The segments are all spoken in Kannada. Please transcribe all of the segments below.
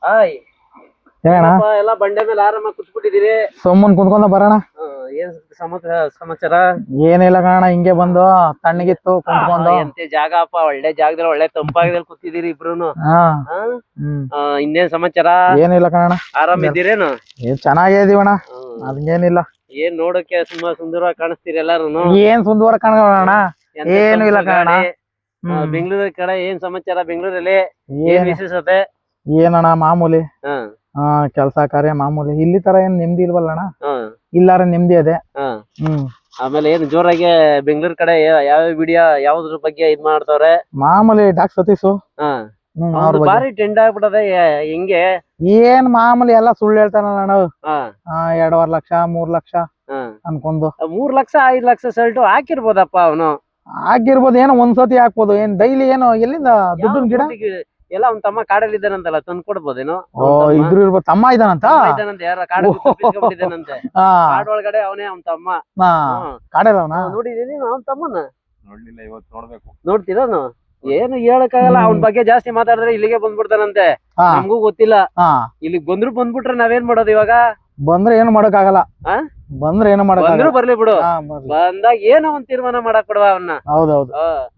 ಹಾಯ್ ಎಲ್ಲ ಬಂಡೆ ಮೇಲೆ ಆರಾಮಾಗಿ ಕುತ್ಬಿಟ್ಟಿದೀರಿ. ಸುಮ್ಮನ್ ಕುಂತ್ಕೊಂಡ ಬರೋಣ. ಏನ್ ಸಮಾಚಾರ? ಏನಿಲ್ಲ ಕಾರಣ ಹಿಂಗೆ ಬಂದು ತಣ್ಣಗಿತ್ತು ಕುಂತ್ಕೊಂಡು. ಎಂತೆ ಜಾಗ ಅಪ್ಪ, ಒಳ್ಳೆ ಜಾಗದಲ್ಲಿ ಒಳ್ಳೆ ತಂಪಾಗದಲ್ಲಿ ಕೂತಿದೀರಿ ಇಬ್ರುನು. ಇನ್ನೇನ್ ಸಮಾಚಾರ? ಏನಿಲ್ಲ ಕಾರಣ. ಆರಾಮಿದ್ದೀರೇನು? ಚೆನ್ನಾಗೇ ಇದೀವಣ್ಣ, ಅದೇನಿಲ್ಲ. ಏನ್ ನೋಡಕ್ಕೆ ತುಂಬಾ ಸುಂದರವಾಗಿ ಕಾಣಿಸ್ತೀರಿ ಎಲ್ಲಾರು. ಏನ್ ಸುಂದರ ಕಾಣೋಣ, ಏನು ಇಲ್ಲ ಕಾರಣ. ಬೆಂಗಳೂರ ಕಡೆ ಏನ್ ಸಮಾಚಾರ? ಬೆಂಗಳೂರಲ್ಲಿ ಏನ್ ವಿಶೇಷತೆ? ಏನಣ್ಣ ಮಾಮೂಲಿ, ಕೆಲ್ಸ ಕಾರ್ಯ ಮಾಮೂಲಿ. ಇಲ್ಲಿ ತರ ಏನ್ ನೆಮ್ಮದಿ ಇಲ್ವಲ್ಲಣ್ಣ, ಇಲ್ಲಾರ ನೆಮ್ಮದಿ ಅದೇ. ಆಮೇಲೆ ಏನ್ ಜೋರಾಗಿ ಬೆಂಗಳೂರ್ ಕಡೆ ಯಾವ ವಿಡಿಯೋ ಯಾವ್ದ್ರ ಬಗ್ಗೆ ಇದ್ ಮಾಡ್ತಾವ್ರೆ? ಮಾಮೂಲಿ ಡಾಕ್ ಸತೀಶು ಬಾರಿ ಟ್ರೆಂಡ್ ಆಗ್ಬಿಟ್ಟದೆ. ಹಿಂಗೆ ಏನ್ ಮಾಮೂಲಿ ಎಲ್ಲಾ ಸುಳ್ಳು ಹೇಳ್ತಾನಲ್ಲ ಅಣ್ಣ. 2.5 ಲಕ್ಷ 3 ಲಕ್ಷ ಅನ್ಕೊಂಡು 3 ಲಕ್ಷ 5 ಲಕ್ಷ ಸಲ್ಟು ಹಾಕಿರ್ಬೋದಪ್ಪ ಅವನು. ಆಗಿರ್ಬೋದು, ಏನೋ ಒಂದ್ಸತಿ ಹಾಕ್ಬೋದು. ಏನ್ ಡೈಲಿ ಏನೋ ಎಲ್ಲಿಂದ ದುಡ್ಡು ಗಿಡ ಎಲ್ಲ ಅವ್ನ ತಮ್ಮ ಕಾಡಲ್ಲಿ ಇದ್ದಾನಂತಲ್ಲ, ತಂದು ಕೊಡ್ಬೋದೇನೋ. ಇದ್ರು ಇರ್ಬೋದು, ತಮ್ಮ ಇದಾನಂತ. ಯಾರ ಕಾಡಲ್ಲಿದ್ದಾನಂತೆ, ಕಾಡ್ ಒಳಗಡೆ ಅವನೇ ಅವ್ನ ತಮ್ಮ. ಕಾಡಲ್ಲ ಅವನ ನೋಡಿದೀನಿ ಅವ್ನ ತಮ್ಮನ. ನೋಡ್ಲಿಲ್ಲ, ಇವತ್ತು ನೋಡ್ಬೇಕು. ನೋಡ್ತೀರಾನು? ಏನು ಹೇಳಕ್ಕಾಗಲ್ಲ. ಅವನ ಬಗ್ಗೆ ಜಾಸ್ತಿ ಮಾತಾಡಿದ್ರೆ ಇಲ್ಲಿಗೆ ಬಂದ್ಬಿಡ್ತಾನಂತೆ. ನಮಗೂ ಗೊತ್ತಿಲ್ಲ. ಇಲ್ಲಿಗೆ ಬಂದ್ಬಿಟ್ರೆ ನಾವೇನ್ ಮಾಡೋದು ಇವಾಗ? ಬಂದ್ರೆ ಏನು ಮಾಡಕ್ ಆಗಲ್ಲ. ಬಂದ್ರೆ ಏನು ಮಾಡಕ್ ಬಂದ್ರು ಬರ್ಲಿ ಬಿಡು. ಬಂದಾಗ ಏನೋ ಒಂದ್ ತೀರ್ಮಾನ ಮಾಡಕ್ ಬಿಡುವ ಅವನ್ನ. ಹೌದೌದು.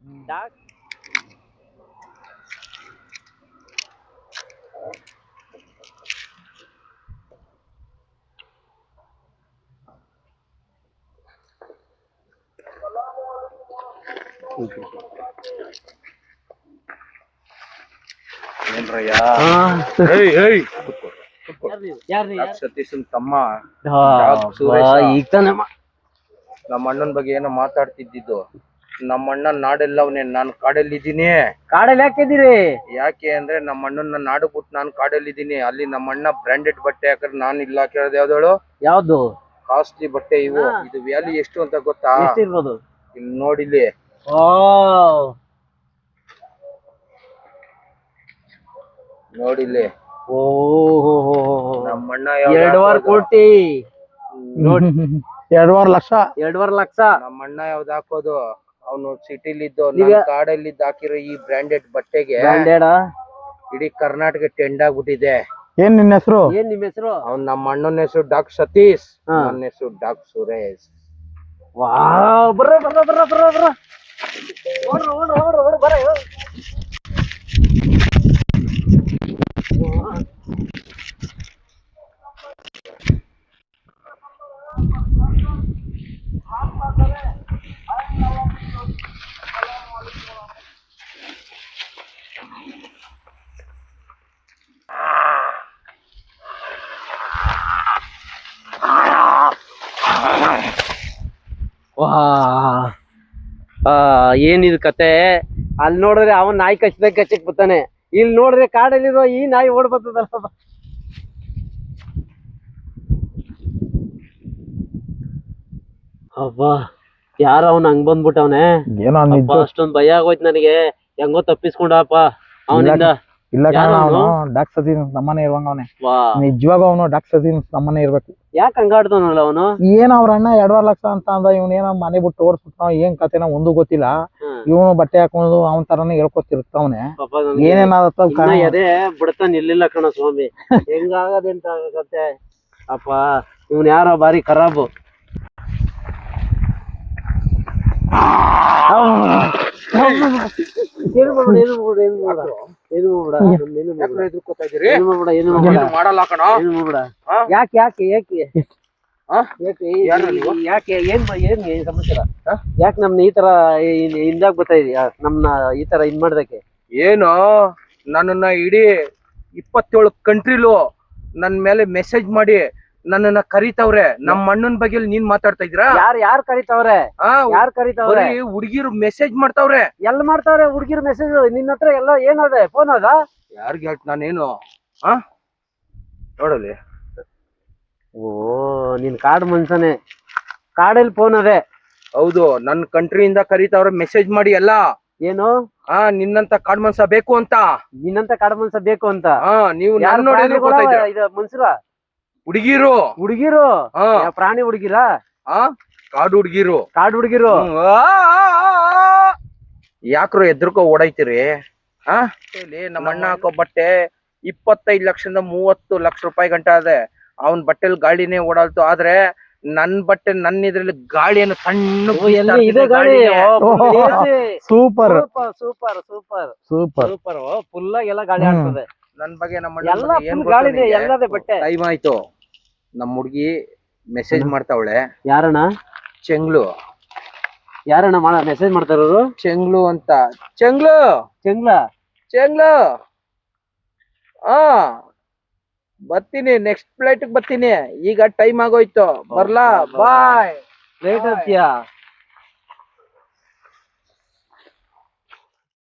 ಸತೀಶನ್ ತಮ್ಮ ನಮ್ಮ ಅಣ್ಣನ ಬಗ್ಗೆ ಏನೋ ಮಾತಾಡ್ತಿದ್ದು. ನಮ್ಮ ಅಣ್ಣ ನಾಡೆಲ್ಲವನೇ, ನಾನು ಕಾಡಲ್ಲಿದ್ದೀನಿ. ಕಾಡಲ್ಲಿ ಯಾಕಿದ್ದೀರಿ? ಯಾಕೆ ಅಂದ್ರೆ ನಮ್ಮ ಅಣ್ಣನ ನಾಡು ಬಿಟ್ಟು ನಾನು ಕಾಡಲ್ಲಿದ್ದೀನಿ. ಅಲ್ಲಿ ನಮ್ಮ ಅಣ್ಣ ಬ್ರಾಂಡೆಡ್ ಬಟ್ಟೆ ಹಾಕ್ರೆ ನಾನು ಇಲ್ಲ ಕೇಳೋದು. ಯಾವ್ದಳು? ಯಾವ್ದು? ಕಾಸ್ಟ್ಲಿ ಬಟ್ಟೆ ಇವು. ಇದು ವ್ಯಾಲ್ಯೂ ಎಷ್ಟು ಅಂತ ಗೊತ್ತಾ? ಎಷ್ಟಿರ್ಬೋದು? ಇಲ್ಲಿ ನೋಡಿಲಿ. ನೋಡಿಲಿ. ನಮ್ಮ ಅಣ್ಣ 2.5 ಕೋಟಿ, 2.5 ಲಕ್ಷ. 2.5 ಲಕ್ಷ. ನಮ್ಮ ಅಣ್ಣ ಯಾವ್ದು ಹಾಕೋದು? ಅವನು ಸಿಟಿಲಿದ್ದು ಕಾಡಲ್ಲಿದ್ದು ಹಾಕಿರೋ ಈ ಬ್ರಾಂಡೆಡ್ ಬಟ್ಟೆಗೆ ಇಡೀ ಕರ್ನಾಟಕ ಟ್ರೆಂಡ್ ಆಗ್ಬಿಟ್ಟಿದೆ. ಏನ್ ನಿನ್ನ ಹೆಸರು? ಏನ್ ನಿಮ್ ಹೆಸರು? ಅವ್ನ್ ನಮ್ಮ ಅಣ್ಣನ ಹೆಸರು ಡಾಕ್ ಸತೀಶ್, ನನ್ನ ಹೆಸರು ಡಾಕ್ ಸುರೇಶ್. ಬರ್ರ ಬರ್ರ ಬರ್ರ ಬರ್ರ ಬರ್ರ ಬರ. ಏನಿದು ಕತೆ? ಅಲ್ಲಿ ನೋಡಿದ್ರೆ ಅವನ್ ನಾಯಿ ಕಚ್ಚಿದಾಗ ಕಚ್ಚಕ್ ಬರ್ತಾನೆ, ಇಲ್ಲಿ ನೋಡಿದ್ರೆ ಕಾಡಲ್ಲಿರೋ ಈ ನಾಯಿ ಓಡ್ ಬರ್ತದಲ್ಲ. ಅಬ್ಬಾ, ಯಾರ ಅವ್ನ ಹಂಗ್ ಬಂದ್ಬಿಟ್ಟವನೆ. ಅಷ್ಟೊಂದ್ ಭಯ ಆಗೋಯ್ತು ನನಗೆ. ಹೆಂಗೋ ತಪ್ಪಿಸ್ಕೊಂಡಪ್ಪ ಅವನಿಂದ. ಇಲ್ಲ ಅವನು ಡಾಕ್ ಸತೀಶ್ ನಮ್ಮನೆ ಇರುವಂಗ ಅವನೇ. ನಿಜವಾಗ ಅವನು ಡಾಕ್ ಸತೀಶ್ ನಮ್ಮನೆ ಇರ್ಬೇಕು. ಯಾಕೆ ಹಂಗಾಡ್ತಾನಲ್ಲ ಅವನು? ಏನ್ ಅವ್ರ ಅಣ್ಣ 2.5 ಲಕ್ಷ ಅಂತ ಅಂದ. ಇವನೇನೋ ಮನೆ ಬಿಟ್ಟು ಓಡಿಸ್ಬಿಟ್ಟ. ಏನ್ ಕತೆನ ಒಂದು ಗೊತ್ತಿಲ್ಲ. ಇವನು ಬಟ್ಟೆ ಹಾಕೊಂಡು ಅವನ ತರಾನೇ ಹೇಳ್ಕೊತಿರ್ತಾವನೆ. ಏನೇನಾದತ್ತ ಅದೇ ಬಿಡ್ತಾನ ಇರ್ಲಿಲ್ಲ ಕಣ ಸ್ವಾಮಿ. ಹೆಂಗಾಗದೆಂತ ಕತೆ ಅಪ್ಪ. ಇವನ್ ಯಾರೋ ಬಾರಿ ಖರಾಬು. ಯಾಕೆ ಏನ್ ಸಮಾಚಾರ? ಯಾಕೆ ನಮ್ನ ಈ ತರ ಹಿಂದಾಗ ಬರ್ತಾ ಇದೀಯಾ? ನಮ್ನ ಈ ತರ ಇದ್ ಮಾಡ್ದಕ್ಕೆ ಏನು? ನನ್ನನ್ನ ಇಡೀ 27 ಕಂಟ್ರಿಲು ನನ್ ಮೇಲೆ ಮೆಸೇಜ್ ಮಾಡಿ ನನ್ನನ್ನ ಕರೀತಾವ್ರೆ. ನಮ್ಮ ಅಣ್ಣನ ಬಗ್ಗೆ ನೀನ್ ಮಾತಾಡ್ತಾ ಇದ್ದೀರಾ? ಯಾರು ಕರೀತಾವ್ರೆ? ಯಾರು ಕರೀತಾವ್ರೆ? ಹುಡುಗಿರು ಮೆಸೇಜ್ ಮಾಡ್ತಾವ್ರೆ. ಎಲ್ಲ ಮಾಡ್ತಾವ್ರೆ ಹುಡುಗಿರು ಮೆಸೇಜ್. ನಿನ್ನ ಹತ್ರ ಎಲ್ಲ ಏನದೆ? ಫೋನ್ ಅದ? ಯಾರಿಗೆ ಹೇಳ್ತ ನಾನೇನು ನೋಡಲಿ. ಓ, ನೀನ್ ಕಾಡ್ ಮನ್ಸನೆ. ಕಾಡಲ್ಲಿ ಫೋನ್ ಅದೇ? ಹೌದು, ನನ್ ಕಂಟ್ರಿಯಿಂದ ಕರೀತಾವ್ರೆ ಮೆಸೇಜ್ ಮಾಡಿ ಎಲ್ಲ. ಏನು? ನಿನ್ನಂತ ಕಾಡ್ ಮನ್ಸ ಬೇಕು ಅಂತ. ನಿನ್ನಂತ ಕಾಡ್ ಮನ್ಸ ಬೇಕು ಅಂತ? ನೀವು ಮನ್ಸರ ಹುಡುಗಿರು ಪ್ರಾಣಿ ಹುಡುಗಿರ? ಕಾಡು ಹುಡುಗಿರು. ಕಾಡು ಹುಡುಗಿರು ಯಾಕ್ರು ಎದ್ರಕೋ ಓಡೈತಿರಿ? ನಮ್ಮ ಅಣ್ಣ ಹಾಕೋ ಬಟ್ಟೆ 25 ಲಕ್ಷದಿಂದ 30 ಲಕ್ಷ ರೂಪಾಯಿ ಗಂಟ ಅದೇ ಅವನ್ ಬಟ್ಟೆಲ್ ಗಾಳಿನೇ ಓಡಾಡ್ತು. ಆದ್ರೆ ನನ್ ಬಟ್ಟೆ ನನ್ನ ಇದ್ರಲ್ಲಿ ಗಾಳಿಯನ್ನು ಸಣ್ಣ ಇದೆ ಗಾಳಿ. Super super super super super full ಎಲ್ಲ ಗಾಳಿ ಆಡ್ತದೆ. ನನ್ ಬಗ್ಗೆ ನಮ್ಮ ಎಲ್ಲ full ಗಾಳಿನೇ ಎಲ್ಲದೇ ಬಟ್ಟೆ. ಟೈಮ್ ಆಯ್ತು. ನಮ್ ಹುಡ್ಗಿ ಮೆಸೇಜ್ ಮಾಡ್ತಾವಳೆ. ಯಾರಣ್ಣ? ಚೆಂಗ್ಲು. ಯಾರಣ್ಣ ಮೆಸೇಜ್ ಮಾಡ್ತಾ ಇರೋದು? ಚೆಂಗ್ಲು ಅಂತ. ಚೆಂಗ್ಲು ಚೆಂಗ್ಲ ಚೆಂಗ್ಲು ಬರ್ತೀನಿ, ನೆಕ್ಸ್ಟ್ ಫ್ಲೈಟ್ ಬರ್ತೀನಿ. ಈಗ ಟೈಮ್ ಆಗೋಯ್ತು, ಬರ್ಲಾ? ಬಾಯ್. ಲೇಟ್ ಆಗ್ತೀಯಾ?